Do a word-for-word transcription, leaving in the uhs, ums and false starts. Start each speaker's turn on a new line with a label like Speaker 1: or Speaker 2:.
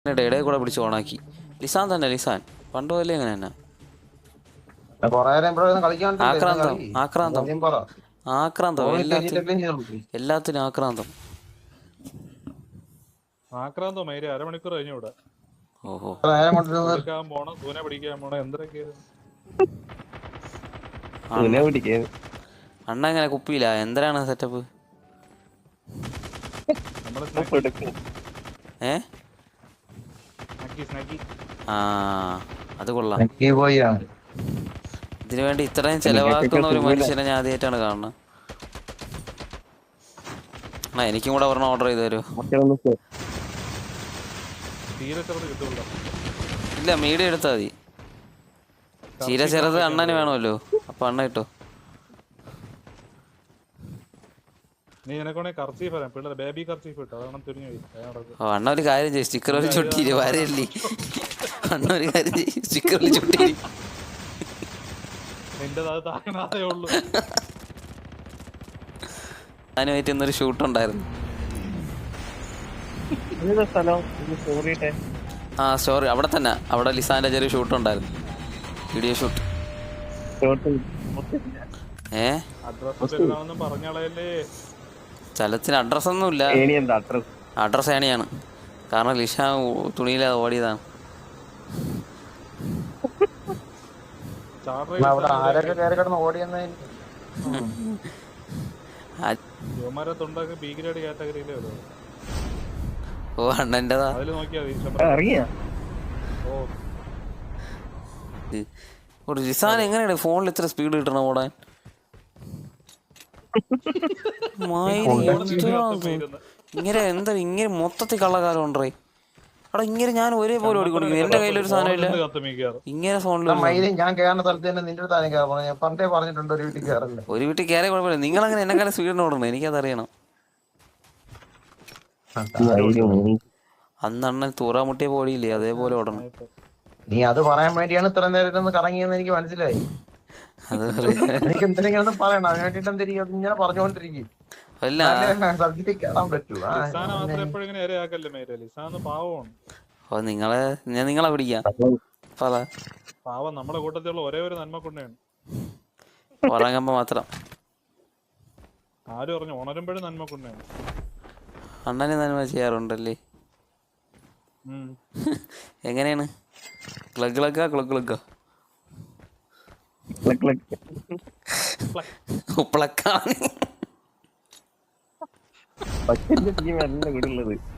Speaker 1: ഇടയിൽ കൂടെ പിടിച്ച് ഓണാക്കി. ലിസാൻ തന്നെ, ലിസാൻ പണ്ട് പോലെ അങ്ങനെ തന്നെ. ആക്രാന്തം ആക്രാന്തം ആക്രാന്തം എല്ലാത്തിനും എല്ലാത്തിനും ആക്രാന്തം.
Speaker 2: ആക്രാന്തം മൈര അരമണിക്കൂർ കഴിഞ്ഞു ഇവിടെ.
Speaker 1: ഓഹോ
Speaker 2: പോണം സൂന പിടിക്കാൻ പോണം എന്തൊക്കെ.
Speaker 1: അണ്ണ എങ്ങനെ കുപ്പിയില്ല എന്തിനാണ് സെറ്റപ്പ്? ഏ ആ അത് കൊള്ളാം. ഇതിനു വേണ്ടി ഇത്രയും ചെലവാക്കുന്ന ഒരു മനുഷ്യനെ ഞാൻ ആദ്യമായിട്ടാണ് കാണുന്നത്. ആ എനിക്കും കൂടെ ഒരെണ്ണം ഓർഡർ ചെയ്ത് തരുമോ? ഇല്ല മീഡിയം എടുത്താൽ മതി. ചീര ചെറുത് അണ്ണന് വേണമല്ലോ, അപ്പൊ അണ്ണ കിട്ടോ. അണ്ണ ഒരു കാര്യം ചെയ്യും, സ്റ്റിക്കർ ഒരു ചുട്ടിരി വരല്ലേ. അണ്ണ ഒരു കാര്യം ചെയ്യും, സ്റ്റിക്കറിൽ ചുട്ടിരി. അതിനുമായിട്ട് ഇന്നൊരു ഷൂട്ട് ഉണ്ടായിരുന്നു. ആ സ്റ്റോറി അവിടെ തന്നെ, അവിടെ ലിസാന്റെ ചെറിയ ഷൂട്ട് ഉണ്ടായിരുന്നു, വീഡിയോ ഷൂട്ട്. ഏ സ്ഥലത്തിന് അഡ്രസ് ഒന്നുമില്ല, അഡ്രസ് ഏണിയാണ്. കാരണം ലിഷ തുണിയില്ലാതെ ഓടിയതാണ്. ഓ അണ്ണൻ്റെതാ. ലിസാൻ എങ്ങനെയാണ് ഫോണിൽ ഇത്ര സ്പീഡ് കിട്ടണം ഓടാൻ? ഇങ്ങനെ എന്താ ഇങ്ങനെ മൊത്തത്തിൽ കള്ളക്കാലം ഉണ്ടേ അവിടെ. ഇങ്ങനെ ഞാൻ ഒരേപോലെ ഓടിക്കൊണ്ടിരിക്കുന്നു, എന്റെ കയ്യിലൊരു സാധനം ഇല്ല. ഇങ്ങനെ ഫോണിൽ ഒരു വീട്ടിൽ കയറിയ കുഴപ്പമില്ല, നിങ്ങളങ്ങനെ എന്നെക്കാളും സ്പീഡിന് ഓടണം, എനിക്കതറിയണം. അന്ന് അണ്ണൻ തൂറാമുട്ടിയെ പോടിയില്ലേ, അതേപോലെ ഓടണം.
Speaker 3: നീ അത് പറയാൻ വേണ്ടിയാണ് ഇത്ര നേരം കറങ്ങിയെന്ന് എനിക്ക് മനസ്സിലായി. എനിക്ക് എന്തെങ്കിലും പറയണം, അതിന് വേണ്ടിട്ട് എന്തെങ്കിലും ഇങ്ങനെ പറഞ്ഞുകൊണ്ടിരിക്കും.
Speaker 1: നിങ്ങളെ ഞാൻ നിങ്ങളെ പിടിക്കാം.
Speaker 2: നമ്മുടെ കൂട്ടത്തിലുള്ള ഒരേ ഒരു നന്മ കൊണ്ടാണ്
Speaker 1: ഉറങ്ങുമ്പോ മാത്രം.
Speaker 2: ആര് പറഞ്ഞു? ഉണരുമ്പോഴും നന്മ കൊണ്ടാണ്.
Speaker 1: അണ്ണന് നന്മ ചെയ്യാറുണ്ടല്ലേ? എങ്ങനെയാണ്? ക്ലഗ് ക്ലഗ്ഗാ ക്ലഗ് ക്ലഗ്ഗാ ഉപ്പളക്കാണ്.